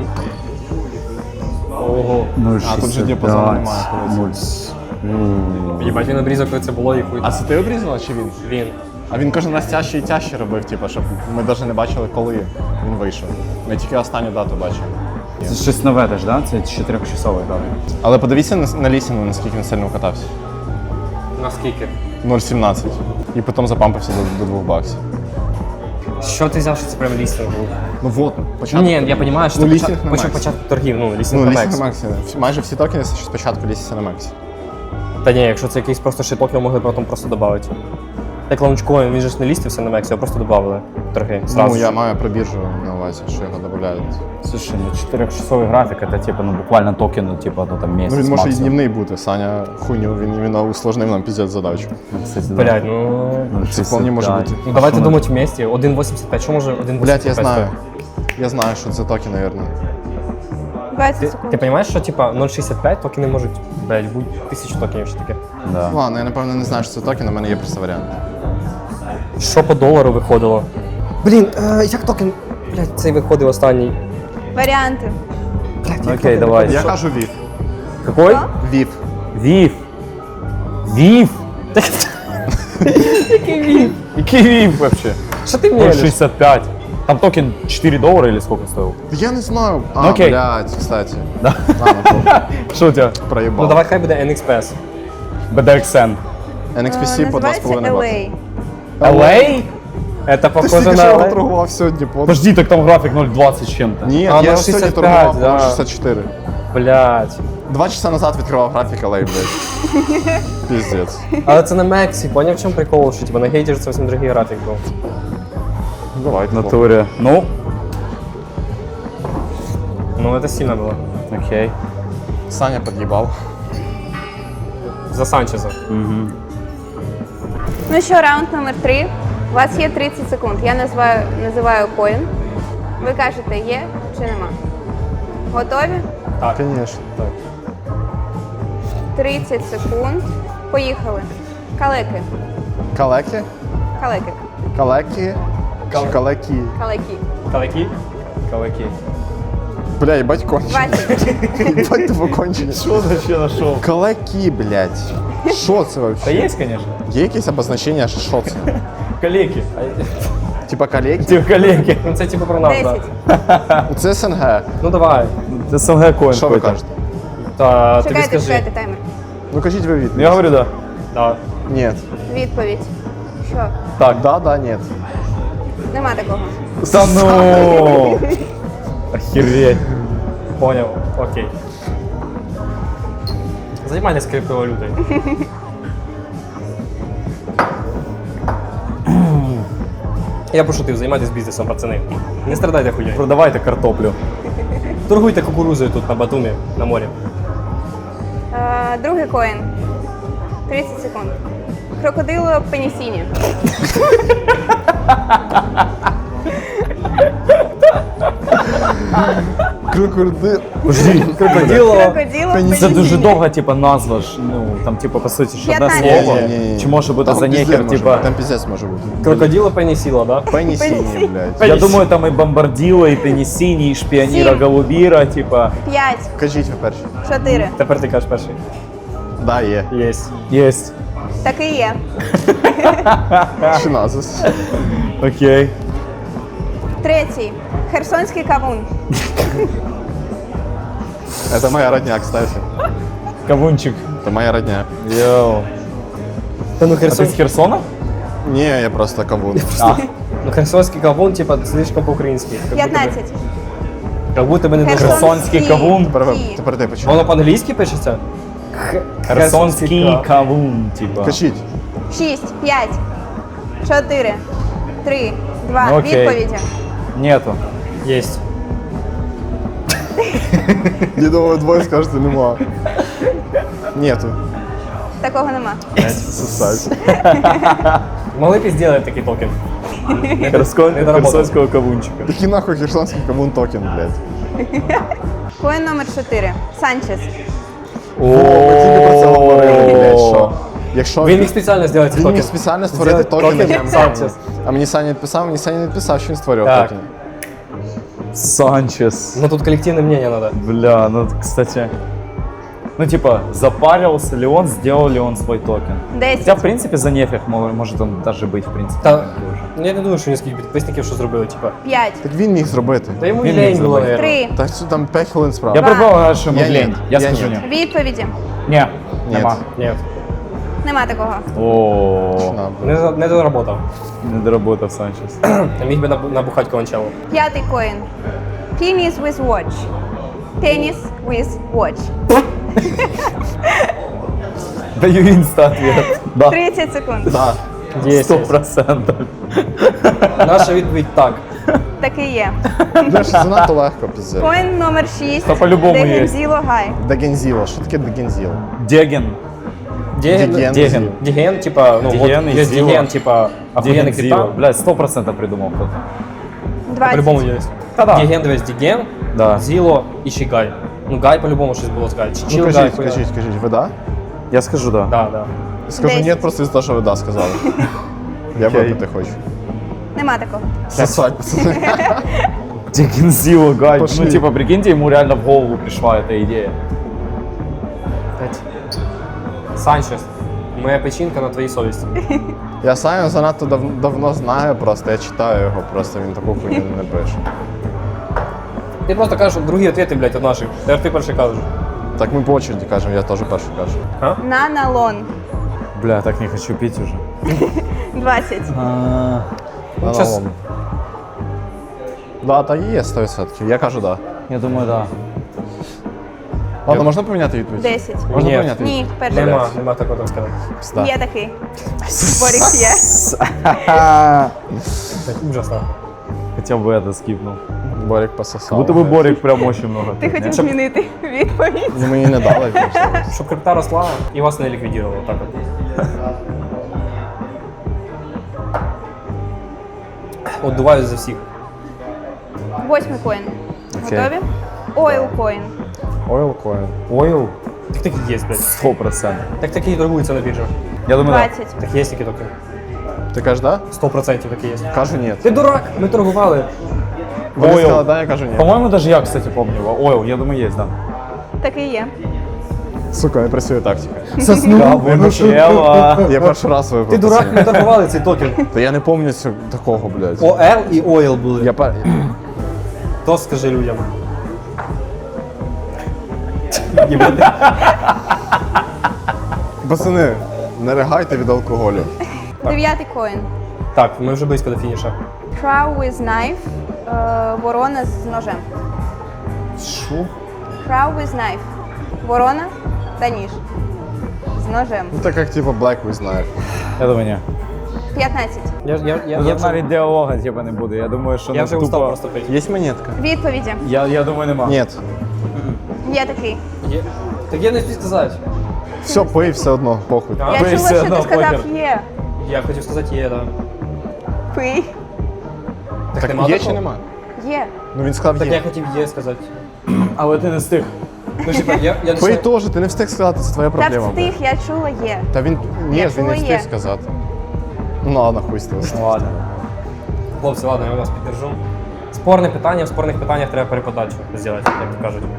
Speaker 1: Ого.
Speaker 4: А, тут же діапазону немає,
Speaker 1: Єбать, він обрізав, коли це було і хуй.
Speaker 4: А це ти обрізала чи він?
Speaker 1: Він.
Speaker 4: А він кожен раз тяжче і тяжче робив, типу, щоб ми навіть не бачили, коли він вийшов. Ми тільки останню дату бачили.
Speaker 6: Це щось нове теж, да? Це чотирьохчасовий графік.
Speaker 4: Але подивіться на, на лісіну, наскільки він сильно катався.
Speaker 1: Наскільки?
Speaker 4: нуль сімнадцять. І потім запампився до, до двох баксів.
Speaker 1: Що ти взяв, що це прям лістинг був?
Speaker 4: Ну вот, початку.
Speaker 1: Ні, я розумію, що
Speaker 4: Ну,
Speaker 1: це
Speaker 4: лістинг
Speaker 1: почат-
Speaker 4: на
Speaker 1: почав
Speaker 4: Максі.
Speaker 1: початку торгів, ну, лістинг
Speaker 4: Ну,
Speaker 1: на
Speaker 4: лісінг
Speaker 1: Мексі.
Speaker 4: на Максі. Всі- Майже всі токени спочатку лісяться на Максі.
Speaker 1: Та ні, якщо це якийсь просто шиток, його могли потім просто додати. Як лаунчкоін, він же ж не лістився на Мексі, його просто додали торги. Сразу.
Speaker 4: Ну, я маю про біржу на увазі, що його додають.
Speaker 6: Слушай, ну чотирьохчасовий графік, это типа, ну буквально токени, типа, ну там месяц
Speaker 4: Ну, він може і
Speaker 6: максимум.
Speaker 4: дневний бути. Саня хуйню, він іменно усложнив нам піздець задачу.
Speaker 6: Ну, кстати, да.
Speaker 1: Блядь, ну...
Speaker 6: Ну,
Speaker 4: Це вполне може
Speaker 6: шістдесят
Speaker 4: бути.
Speaker 6: п'ять.
Speaker 1: Ну
Speaker 6: А
Speaker 1: давайте
Speaker 6: що ми-
Speaker 1: думати вместе. один вісімдесят п'ять, що може один
Speaker 4: Блять, я
Speaker 1: вісімдесят п'ять
Speaker 4: знаю.
Speaker 1: стоїть?
Speaker 4: Я знаю, що це токен, наверное.
Speaker 3: двадцять
Speaker 1: Ти,
Speaker 3: секунд.
Speaker 1: ти розумієш, що типа нуль шістдесят п'ять токени можуть, блядь, бути тисячу токенів ще таке.
Speaker 6: Да.
Speaker 4: Ладно, я напевно не знаю, що це токен, у мене є просто варіант.
Speaker 1: Що по долару виходило? Блін, е, як токен, блядь, цей виходив останній?
Speaker 3: Варіанти.
Speaker 6: Ну, окей, давай.
Speaker 4: Я кажу вів.
Speaker 1: Какой?
Speaker 4: Вів.
Speaker 6: Вів. Вів? Який Вів вообще?
Speaker 1: Що ти
Speaker 6: ноль
Speaker 1: мелиш?
Speaker 6: шістдесят п'ять. Там токен чотири доллара или сколько стоил?
Speaker 4: Я не знаю. А,
Speaker 6: Ну, окей.
Speaker 4: блядь, кстати.
Speaker 6: Да.
Speaker 4: Ладно,
Speaker 6: Что у тебя?
Speaker 4: проїбав.
Speaker 1: Ну давай хай буде ен ікс пі ес.
Speaker 6: би ді ікс ен.
Speaker 4: ен ікс пі
Speaker 3: Е,
Speaker 4: сі по два з
Speaker 3: Називається
Speaker 4: половиною
Speaker 3: ел
Speaker 4: бакса.
Speaker 3: ей.
Speaker 6: ел ей?
Speaker 1: Это
Speaker 4: Ти
Speaker 1: похоже
Speaker 4: стільки
Speaker 1: на
Speaker 4: що його
Speaker 1: ел ей?
Speaker 4: торгував сьогодні, по...
Speaker 6: Подожди, так там график нуль двадцать с чем-то.
Speaker 4: Ні,
Speaker 1: А,
Speaker 4: я
Speaker 1: ну,
Speaker 4: сьогодні
Speaker 1: шістдесят
Speaker 4: торгував
Speaker 1: п'ять, да.
Speaker 4: по шістдесят чотири.
Speaker 1: Блядь.
Speaker 4: Два часа назад відкривав графік ел ей, блядь. Піздець.
Speaker 1: Але це на Мексі, поняв, в чому прикол, що типа на гейті ж це зовсім другий графік був.
Speaker 4: Давай,
Speaker 6: В натуре. Ну,
Speaker 1: Ну, це сильно було.
Speaker 6: окей.
Speaker 4: Саня під'їбав.
Speaker 1: За Санчеза.
Speaker 3: Ну що, раунд номер три. У вас є тридцять секунд. Я називаю, називаю коін. Ви кажете, є чи нема. Готові?
Speaker 1: Так.
Speaker 4: Звісно.
Speaker 1: Так.
Speaker 3: тридцять секунд. Поїхали. Калеки.
Speaker 4: Калеки?
Speaker 3: Калеки.
Speaker 4: Калеки? Чи калеки?
Speaker 3: Калеки.
Speaker 1: Калаки? Калаки.
Speaker 4: Бля, їбать кончені.
Speaker 3: двадцять.
Speaker 4: Їбать тупо кончені.
Speaker 6: Что вообще нашел?
Speaker 4: Калеки, блядь. Що це
Speaker 6: Да
Speaker 4: вообще?
Speaker 6: есть, конечно.
Speaker 4: Є якесь обозначення, що це?
Speaker 6: Калеки.
Speaker 4: Типа калеки?
Speaker 6: Типа калеки.
Speaker 1: Ну це типу про нас,
Speaker 3: десять.
Speaker 1: так.
Speaker 4: Це СНГ.
Speaker 1: Ну давай.
Speaker 6: Это СНГ коин
Speaker 4: Що ви
Speaker 6: какой-то.
Speaker 4: кажете?
Speaker 1: Та тобі
Speaker 3: Чекайте,
Speaker 1: скажи.
Speaker 3: чекайте таймер.
Speaker 4: Ну кажіть ви відповідь.
Speaker 6: Я говорю, да.
Speaker 1: Да.
Speaker 4: Ні.
Speaker 3: Відповідь. Що?
Speaker 6: Так.
Speaker 4: Да, да, ні.
Speaker 3: Нема такого.
Speaker 6: Да ну! Охереть.
Speaker 1: Понял. Окей. Займайтесь криптовалютою. Я пошутив, займайтесь бізнесом, пацани. Не страдайте хуйньою.
Speaker 6: Продавайте картоплю.
Speaker 1: Торгуйте кукурузою тут на Батумі, на морі.
Speaker 3: Е, другий коін. тридцять секунд. Крокодило пенісіні.
Speaker 4: Крокодил.
Speaker 6: Подожди,
Speaker 1: Крокодило.
Speaker 3: Крокодило
Speaker 4: Пенісіні.
Speaker 6: це дуже
Speaker 3: пенісіні.
Speaker 6: довга, типа, назва ж. Ну, там, типа, по суті, ж одне
Speaker 3: п'ятнадцять.
Speaker 6: слово.
Speaker 4: Ні-ні-ні.
Speaker 6: Чи може бути
Speaker 4: Там
Speaker 6: за
Speaker 4: піздець
Speaker 6: нехер,
Speaker 4: може
Speaker 6: типа.
Speaker 4: бути, Там піздець може бути.
Speaker 1: Крокодило пенісіло, да?
Speaker 4: Пенісіні, блядь.
Speaker 6: Я думаю, там і бомбарділо, і пенісіні, і шпіоніра
Speaker 3: Сім.
Speaker 6: голубіра, типа.
Speaker 3: П'ять.
Speaker 4: Кажіть ви перші.
Speaker 3: Чотири.
Speaker 1: Тепер ти кажеш перший.
Speaker 4: Да, є.
Speaker 1: Єсть.
Speaker 6: Єсть.
Speaker 3: Так і є.
Speaker 4: Чиназис.
Speaker 6: Окей.
Speaker 3: Третій. Херсонський кавун.
Speaker 4: Это моя родня, кстати.
Speaker 6: Кавунчик.
Speaker 4: Это моя родня.
Speaker 6: Йоу.
Speaker 1: Та ну
Speaker 6: А ти
Speaker 1: Херсон...
Speaker 6: з Херсона?
Speaker 4: Не, я просто кавун.
Speaker 6: А,
Speaker 1: Ну херсонський кавун, типа, слишком по-українськи. Как будто би-
Speaker 3: П'ятнадцять.
Speaker 1: Как будто би не дуже.
Speaker 6: Херсонський кавун.
Speaker 4: Тепер, ви-
Speaker 3: Ті.
Speaker 4: тепер ти почув.
Speaker 1: Воно по-англійськи пишеться?
Speaker 6: Херсонський
Speaker 1: кавун.
Speaker 6: кавун, типа.
Speaker 4: Кажіть.
Speaker 3: Шість. П'ять. Чотири. Три. Два.
Speaker 6: Ну, окей.
Speaker 3: Відповіді.
Speaker 6: Нету.
Speaker 1: Єсть.
Speaker 4: Я думаю, двоє скажете, нема. Нету.
Speaker 3: Такого нема.
Speaker 4: Сосать.
Speaker 1: Могли б зробити такий токен.
Speaker 6: Херсонського кавунчика.
Speaker 4: Такий нахуй херсонський кавун токен, блядь.
Speaker 3: Коін номер чотири. Санчес.
Speaker 4: О, ми тільки про це говорили, блядь, що. Якщо
Speaker 1: Він міг спеціально зробити цей
Speaker 4: він
Speaker 1: токен.
Speaker 4: міг спеціально створити
Speaker 1: Зробити
Speaker 4: токен.
Speaker 1: токен Санчес.
Speaker 4: А мені Саня відписав, мені Саня не відписав, що він створював
Speaker 1: Так.
Speaker 4: токен.
Speaker 6: Санчес.
Speaker 1: Ну тут коллективное мнение надо.
Speaker 6: Бля, ну кстати. Ну типа, запарился ли он, сделал ли он свой токен. Хотя, в
Speaker 3: Десять.
Speaker 6: принципе, за нефиг мо- может он даже быть, в принципе.
Speaker 1: Та,
Speaker 6: уже.
Speaker 1: ну, я не думаю, що низьких підписників що зробили, типа.
Speaker 3: П'ять.
Speaker 4: Так він міг зробити.
Speaker 1: Та йому
Speaker 6: Він
Speaker 1: лень
Speaker 6: міг
Speaker 1: було,
Speaker 6: зробити.
Speaker 1: наверное.
Speaker 3: Три.
Speaker 4: Так що там п'ять хвилин справа.
Speaker 6: Я
Speaker 3: Два.
Speaker 6: предполагаю, что ему
Speaker 4: Я
Speaker 6: лень.
Speaker 4: нет.
Speaker 6: Я
Speaker 4: Я
Speaker 6: скажу
Speaker 4: нет.
Speaker 6: нет.
Speaker 3: Відповіді.
Speaker 6: Не,
Speaker 4: Ні.
Speaker 6: нема.
Speaker 1: Ні,
Speaker 3: Нема такого.
Speaker 6: О,
Speaker 4: На, блядь.
Speaker 1: не, за- не доработав.
Speaker 6: не доработав Санчес.
Speaker 1: Міг би набу- набухати Кованчелу.
Speaker 3: П'ятий коін. Tennis with watch. Tennis with watch.
Speaker 6: Даю инста ответ. Да,
Speaker 3: тридцять секунд.
Speaker 4: Да.
Speaker 6: сто процентов.
Speaker 1: Наша відповідь так.
Speaker 3: Так і є.
Speaker 4: Бля, що занадто легко, піздець.
Speaker 3: Коін номер шість.
Speaker 6: Та по-любому є.
Speaker 3: Дегензіло Гай.
Speaker 4: Дегензіло. Що таке дегензіло?
Speaker 6: Деген.
Speaker 1: Діген,
Speaker 4: Діген.
Speaker 1: Діген, Діген, типа, ну,
Speaker 6: Діген
Speaker 1: вот,
Speaker 6: і
Speaker 1: є
Speaker 6: Зіло.
Speaker 1: Діген, типа, охуєнний
Speaker 6: Деген Зило.
Speaker 1: криптан.
Speaker 6: Блядь, сто процентов придумал кто-то.
Speaker 1: По-любому
Speaker 3: Двадцять.
Speaker 1: є.
Speaker 6: Та-да.
Speaker 1: Діген, дивись, Діген,
Speaker 6: Да.
Speaker 1: Зіло і ще Гай. Ну, Гай по-любому щось було сказати.
Speaker 4: Ну
Speaker 1: Чил Гай,
Speaker 4: кажіть,
Speaker 1: хуя.
Speaker 4: кажіть, кажіть, ви да?
Speaker 6: Я скажу да.
Speaker 1: Да, да.
Speaker 4: Скажу ні,
Speaker 3: Десять.
Speaker 4: просто із того, що ви да сказали. Я
Speaker 6: Окей.
Speaker 4: випити хочу.
Speaker 3: Нема такого.
Speaker 4: Сосать, пацани.
Speaker 6: Деген Зило, гай.
Speaker 4: Пошли.
Speaker 6: Ну, типа, прикиньте, ему реально в голову пришла эта идея.
Speaker 1: П'ять. Санчес, моя печінка на твоїй совісті.
Speaker 4: Я Саню занадто дав- давно знаю просто, я читаю його, просто він таку хуйню не пише.
Speaker 1: Ти просто кажеш другі ответи, блядь, від наших. Тепер ти перший кажеш.
Speaker 4: Так ми по очереді кажемо, я теж перший кажу.
Speaker 3: Наналон.
Speaker 6: Бля, так не хочу пить уже.
Speaker 3: двадцять.
Speaker 4: На
Speaker 1: щас-
Speaker 4: новому. Да, так і є сто відсотків. Я кажу да.
Speaker 6: Я думаю, да.
Speaker 4: Ладно, можна поміняти відповідь?
Speaker 3: Десять.
Speaker 4: Можна
Speaker 1: Ні.
Speaker 4: поміняти
Speaker 3: Ні,
Speaker 4: відповідь?
Speaker 3: перший.
Speaker 1: Нема, нема такого так сказати.
Speaker 4: Пізда.
Speaker 3: Є такий. Борік є.
Speaker 1: Так, ужасно.
Speaker 6: Хотя бы это скипнул.
Speaker 4: Борик пососав.
Speaker 6: Будто бы Борик прям очень много.
Speaker 3: Ти
Speaker 6: пил,
Speaker 3: хотів
Speaker 6: не?
Speaker 3: змінити відповідь.
Speaker 4: Ну мені не дали, звісно.
Speaker 1: Щоб крипта росла і вас не ліквідувало. Так от. Отдуваюсь за всіх.
Speaker 3: Восьмий коін.
Speaker 6: Окей.
Speaker 3: Готові? Ойл коін.
Speaker 4: Oil coin.
Speaker 6: Oil?
Speaker 1: Так такі є, блядь.
Speaker 6: Сто процентов.
Speaker 1: Так такі торгуються на біржі.
Speaker 6: Я думаю, да.
Speaker 3: двадцять.
Speaker 1: Так є такі токи.
Speaker 4: Ти кажеш да?
Speaker 1: Сто процентів такі є.
Speaker 4: Кажу ні.
Speaker 1: Ти дурак, ми торгували.
Speaker 4: Вони
Speaker 6: Oil.
Speaker 4: сказали да, я кажу ні.
Speaker 6: По-моему, даже я, кстати, помню его. Oil, я думаю, есть, да.
Speaker 3: Так і є.
Speaker 4: Сука, не працює тактика.
Speaker 6: Вынучела.
Speaker 4: Я перший раз випив.
Speaker 1: Ти дурак, ми торгували цей токен.
Speaker 4: Та я не пам'ятаю цього- такого, блядь.
Speaker 1: ОЛ і Ойл були.
Speaker 4: Я пер...
Speaker 1: То скажи людям.
Speaker 4: Пацани, не ригайте від алкоголю.
Speaker 3: Дев'ятий коін.
Speaker 1: Так, ми вже близько до фініша.
Speaker 3: Crow with knife. Е, Ворона з ножем.
Speaker 6: Шо?
Speaker 3: Crow with knife. Ворона та ніж. З ножем.
Speaker 4: Ну так як типу Black with Knife.
Speaker 6: Я думаю, не.
Speaker 3: п'ятнадцять.
Speaker 1: Я, я, я, я,
Speaker 6: Тут
Speaker 1: вже,
Speaker 6: навіть діалога типа не буде. Я думаю, що
Speaker 1: я
Speaker 6: ну,
Speaker 1: вже
Speaker 6: тупо...
Speaker 1: устав просто пити.
Speaker 4: Є монетка?
Speaker 3: Відповіді.
Speaker 6: Я, я думаю, нема.
Speaker 4: Ні.
Speaker 3: Є такий.
Speaker 1: Є. Так я не спів сказати.
Speaker 4: Все, пий все одно, похуй.
Speaker 1: А?
Speaker 3: Я
Speaker 6: ви
Speaker 3: чула,
Speaker 6: все
Speaker 3: що
Speaker 6: одно
Speaker 3: ти сказав
Speaker 6: похер.
Speaker 3: є.
Speaker 1: Я хотів сказати є, да.
Speaker 3: Пий.
Speaker 1: Так,
Speaker 4: Так
Speaker 1: нема
Speaker 4: є
Speaker 1: такого?
Speaker 4: чи нема?
Speaker 3: Є.
Speaker 4: Ну він сказав
Speaker 1: Так я
Speaker 4: є.
Speaker 1: хотів є сказати.
Speaker 6: Але ти не встиг.
Speaker 1: Ну, типа, я, я не
Speaker 4: Пий
Speaker 1: знаю.
Speaker 4: теж, ти не встиг сказати, це твоя
Speaker 3: Та
Speaker 4: проблема.
Speaker 3: встиг, я чула є.
Speaker 4: Та він. Ні,
Speaker 3: Я
Speaker 4: він
Speaker 3: чула
Speaker 4: не встиг
Speaker 3: є.
Speaker 4: сказати. Ну ладно, хуй з того.
Speaker 6: Ну ладно.
Speaker 1: Хлопці, ладно, я вас піддержу. Спорне питання, в спорних питаннях треба переподачу зробити, як то кажуть.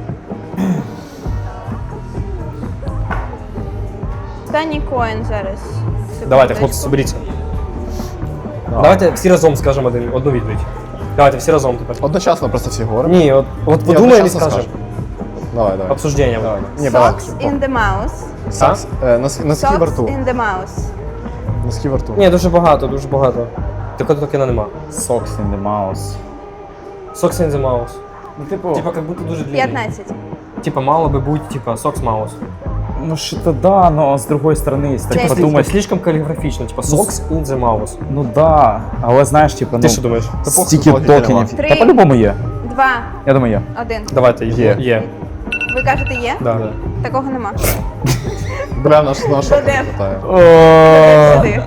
Speaker 3: Останній коін зараз.
Speaker 1: Давайте, хлопці, соберіться. Давайте всі разом скажемо один, одну відповідь. Давайте всі разом тепер.
Speaker 4: Одночасно просто всі говоримо.
Speaker 1: Ні, от, от
Speaker 4: Ні,
Speaker 1: подумаємо і
Speaker 4: одночасно
Speaker 1: скажемо.
Speaker 4: скажемо. Давай, давай.
Speaker 1: Обсуждення.
Speaker 4: Давай. Ні, балакай.
Speaker 3: Socks in the mouse.
Speaker 4: Сакс. Е, Носки носки во
Speaker 3: Socks
Speaker 4: рту.
Speaker 3: in the mouse.
Speaker 4: Носки во рту.
Speaker 1: Ні, дуже багато, дуже багато. Такого токена нема.
Speaker 6: Socks in the mouse.
Speaker 1: Socks in the mouse.
Speaker 6: Ну, типу,
Speaker 1: Типа, как будто дуже длинний.
Speaker 3: п'ятнадцять.
Speaker 1: Типа, мало би бути, типа, socks mouse.
Speaker 6: Ну что-то да, но с другой стороны, если так
Speaker 3: Десять.
Speaker 6: подумать,
Speaker 1: Слишком каліграфічно, типа Socks in the mouse.
Speaker 6: ну да, але знаєш, типа, ну,
Speaker 1: Ти що думаєш?
Speaker 6: стільки
Speaker 4: логіки
Speaker 6: токенів.
Speaker 4: нема.
Speaker 3: Три.
Speaker 6: Та по-любому є.
Speaker 3: Два,
Speaker 6: Я думаю, є.
Speaker 3: один.
Speaker 1: Давайте, є. Є.
Speaker 3: Ви кажете є?
Speaker 1: Да.
Speaker 3: Такого нема.
Speaker 4: Бля, наш наш
Speaker 3: Додеп.
Speaker 4: питає.
Speaker 3: Сюди.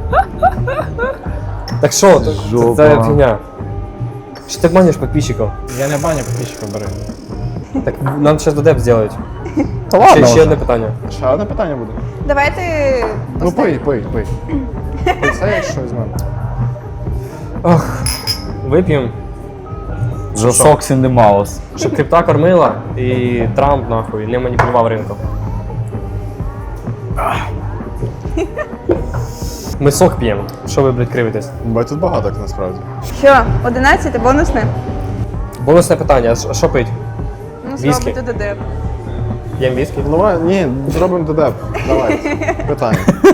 Speaker 1: Так що, це,
Speaker 6: Жопа.
Speaker 1: це фігня. Що ти обманюєш підписчиків?
Speaker 4: Я не баню підписчиків бери.
Speaker 1: Так нам зараз додеп зробити.
Speaker 6: Та
Speaker 1: Ще,
Speaker 6: ладно
Speaker 1: ще
Speaker 6: вже.
Speaker 1: одне питання.
Speaker 4: Ще одне питання буде.
Speaker 3: Давайте.
Speaker 4: Ну пий, пий, пий. Ти це як щось мене.
Speaker 1: Ох, вип'ємо,
Speaker 6: The Socks in the Mouse.
Speaker 1: щоб крипта кормила і Трамп нахуй не маніпулював ринком. Ми сок п'ємо. Що ви, блядь, кривитесь?
Speaker 4: Бо тут багато насправді.
Speaker 3: Що, одинадцяте бонусне?
Speaker 1: Бонусне питання, а що- що пить?
Speaker 3: Ну,
Speaker 1: Віскі.
Speaker 3: зробите додеп.
Speaker 1: Єм віскі?
Speaker 4: Ну, давай, ні, зробимо додеп. Давай. Питання.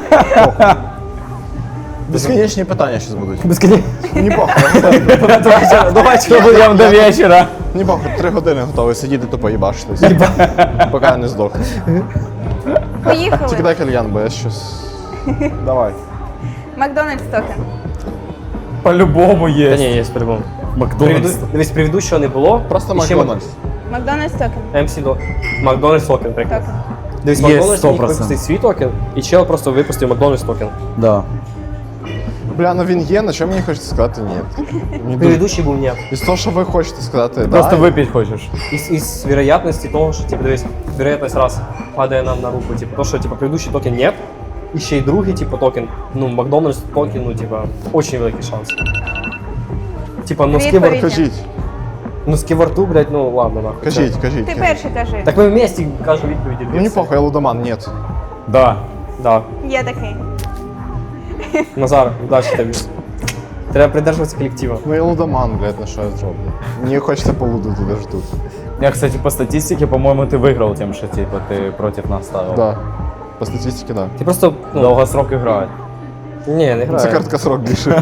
Speaker 4: Безконечні питання зараз будуть.
Speaker 1: Безконечно.
Speaker 4: Ні похуй.
Speaker 1: Давай, що будемо до вечора.
Speaker 4: Ні похуй, три години готовий сидіти тупо їбашитись. Поки я не здохну. Тільки
Speaker 3: Поїхали.
Speaker 4: дай кальян, бо я щось... Давай.
Speaker 3: Макдональдс токен.
Speaker 6: По-любому
Speaker 1: Та
Speaker 6: є.
Speaker 1: ні, є по-любому.
Speaker 6: Макдональдс.
Speaker 1: Приведу- Дивись, предыдущого не було.
Speaker 4: Просто
Speaker 1: І ще
Speaker 4: Макдональдс.
Speaker 3: Макдональдс токен.
Speaker 1: ем сі до Макдональдс токен, приклад.
Speaker 3: Токен.
Speaker 1: Дивись,
Speaker 6: Є,
Speaker 1: Макдональдс
Speaker 6: сто
Speaker 1: міг
Speaker 6: процентів.
Speaker 1: випустити свій токен, і чел просто випустив Макдональдс токен.
Speaker 6: Да.
Speaker 4: Бля, ну він є, на що мені хочеться сказати ні. Мені дуже-
Speaker 1: Предыдущий був ні.
Speaker 4: Із того, що ви хочете сказати,
Speaker 6: Просто
Speaker 4: да,
Speaker 6: випити хочеш.
Speaker 1: Із, із вероятності того, що, типу, дивись, вероятність раз падає нам на руку, типу, то, що, типу, предыдущий токен нет, і ще й другий, типу, токен, ну, Макдональдс токен, ну, типу, очень великий шанс. Типа, ну, з
Speaker 3: Відповідь.
Speaker 1: ківор...
Speaker 4: кажіть,
Speaker 1: ну, з ківорту, блядь, ну, ладно, нахуй.
Speaker 4: кажіть, кажіть.
Speaker 3: Ти
Speaker 4: кажіть.
Speaker 3: перший кажи.
Speaker 1: Так ми вместе кажемо відповіді.
Speaker 4: Ну не похуй, я лудоман, ні.
Speaker 6: Да.
Speaker 1: Да.
Speaker 3: Є такий.
Speaker 1: Назар, удачі тобі. Треба придержуватися колектива.
Speaker 4: Ну я лудоман, блядь, на що я зроблю. Мені хочеться полудити даже тут.
Speaker 6: Я, кстати, по статистике, по-моему, ты выиграл тем, что типа ты против нас ставил.
Speaker 4: Да. По статистике, да.
Speaker 1: Ти просто, ну,
Speaker 6: Долгосрок играет.
Speaker 1: ні, не
Speaker 4: Це
Speaker 1: грає.
Speaker 4: короткосрок більше.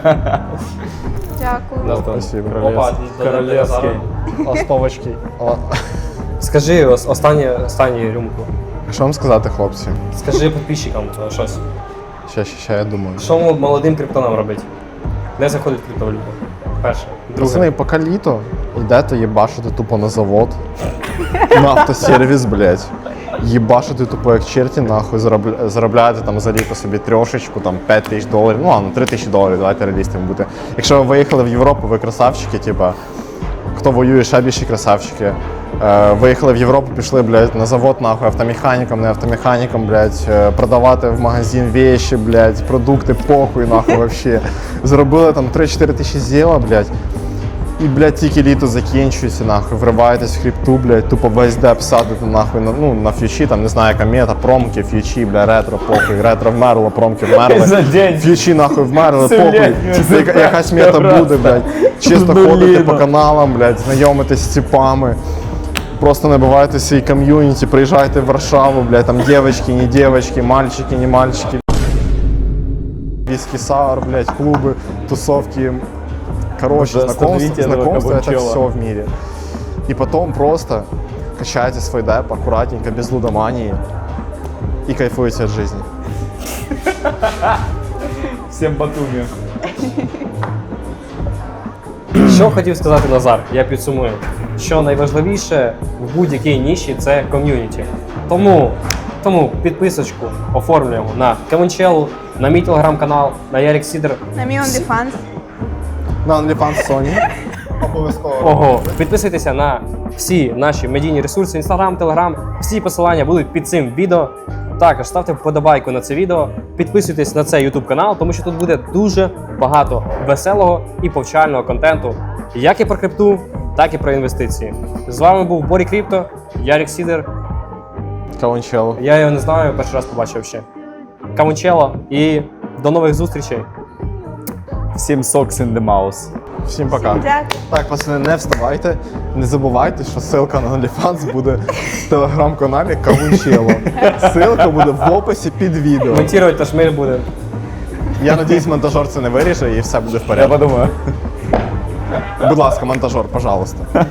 Speaker 3: Дякую.
Speaker 1: Да,
Speaker 4: Спасибо.
Speaker 1: Опа,
Speaker 6: Королевский.
Speaker 4: Остовочки.
Speaker 1: Скажи ос- останнє, останню рюмку.
Speaker 4: Що вам сказати, хлопці?
Speaker 1: Скажи підписчикам е, щось.
Speaker 4: Ще, ще, ще, я думаю.
Speaker 1: Що м- молодим криптонам робити? Де заходить криптовалюта? Перше. Друге.
Speaker 4: Пацани, поки літо, йдете їбашити тупо на завод, на автосервіс, блядь. Їбашити тупо як черті, нахуй, заробля- заробляєте там за літо собі трьошечку, там п'ять тисяч доларів, ну ладно, три тисячі доларів, давайте реалістами бути. Якщо ви виїхали в Європу, ви красавчики, типа, хто воює, ще більші красавчики. Е, виїхали в Європу, пішли, блядь, на завод, нахуй, автомеханіком, не автомеханіком, блядь, е, продавати в магазин вещи, блядь, продукти, похуй, нахуй, вообще. Зробили там три-чотири тисячі зіла, блядь. І, блядь, тільки літо закінчується, нахуй, вриваєтесь в хребту, блядь, тупо весь деп садите, нахуй, на, ну, на фьючі, там, не знаю, яка мета, промки, фьючі, бля, ретро, похуй, ретро вмерло, промки вмерли.
Speaker 6: За день.
Speaker 4: Фьючі, нахуй, вмерли,
Speaker 6: Все,
Speaker 4: похуй.
Speaker 6: блядь,
Speaker 4: Яка- Якась мета
Speaker 6: просто.
Speaker 4: буде, блядь. Чисто
Speaker 6: Блін.
Speaker 4: ходите по каналам, блядь, знайомитесь з ціпами. Просто набивайте свій ком'юніті, приїжджайте в Варшаву, блядь, там дівчатки, не дівчатки, мальчики, не мальчики. Виски саур, блядь, клубы, тусовки. Короче,
Speaker 6: Уже
Speaker 4: знакомство,
Speaker 6: остановите этого
Speaker 4: знакомство это
Speaker 6: кабанчела.
Speaker 4: все в мире. И потом просто качаете свой деп аккуратненько, без лудомании и кайфуете от жизни.
Speaker 6: Всем Батуми.
Speaker 1: Що хотів сказати Назар, я підсумую. Що найважливіше в будь-якій ніші це ком'юніті. Тому, тому підписочку оформлюємо на Кавунчелу, на мій телеграм-канал, на Ярик Сідер.
Speaker 3: На мій OnlyFans.
Speaker 4: На OnlyFans Sony. Обов'язково.
Speaker 1: Ого, підписуйтеся на всі наші медійні ресурси, Інстаграм, Телеграм. Всі посилання будуть під цим відео. Також ставте вподобайку на це відео, підписуйтесь на цей YouTube канал, тому що тут буде дуже багато веселого і повчального контенту, як і про крипту, так і про інвестиції. З вами був Борі Крипто, Ярик Сідер.
Speaker 4: Кавунчело.
Speaker 1: Я його не знаю, перший раз побачив ще. Камунчело і до нових зустрічей.
Speaker 6: Всем Socks in the Mouse.
Speaker 4: Всім пока.
Speaker 3: Дякую.
Speaker 4: Так, пацани, не вставайте, не забувайте, що ссылка на OnlyFans буде в телеграм-каналі Кавунчело. Ссылка буде в описі під відео.
Speaker 1: Монтувати та шмель буде.
Speaker 4: Я надіюсь, монтажер це не виріже і все буде в
Speaker 6: Я
Speaker 4: порядку.
Speaker 6: подумаю.
Speaker 4: Будь ласка, монтажер, пожалуйста.